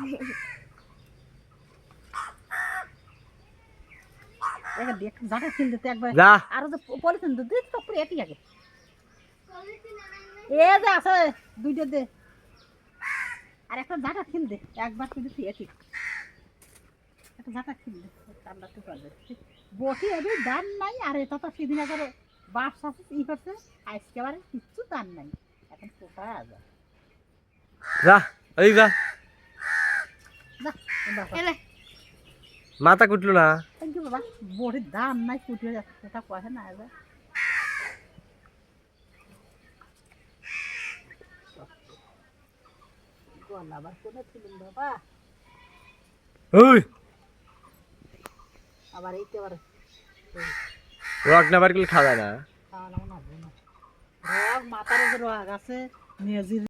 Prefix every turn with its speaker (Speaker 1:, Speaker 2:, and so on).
Speaker 1: দেখ জাটা খিল দিতে একবার আর যে পলিথিন দে দিস তো পুরো এটি আগে এ যে আছে দুইটা দে আর একটা জাটা খিল দে একবার তুই দিতে এটি একটা জাটা খিল দে ঠান্ডা তো করে বটি এবি দান নাই আর এটা তো সেদিন আগে বাপ শাশু ই করছে আজকে বারে কিচ্ছু দান নাই এখন কোথায় আছে
Speaker 2: যা এই যা
Speaker 1: যা
Speaker 2: মাথা কুটলো না
Speaker 1: থ্যাংক ইউ বাবা বটির দাম নাই কুটিয়ে যাচ্ছে কোথা কোয়া না যা আবার কোনে ছিলেন বাবা
Speaker 2: ওই
Speaker 1: আবার এইতে আবার
Speaker 2: রক না বার করলে খাওয়া যায় না
Speaker 1: খাওয়া না রক মাথার রক আছে মেজির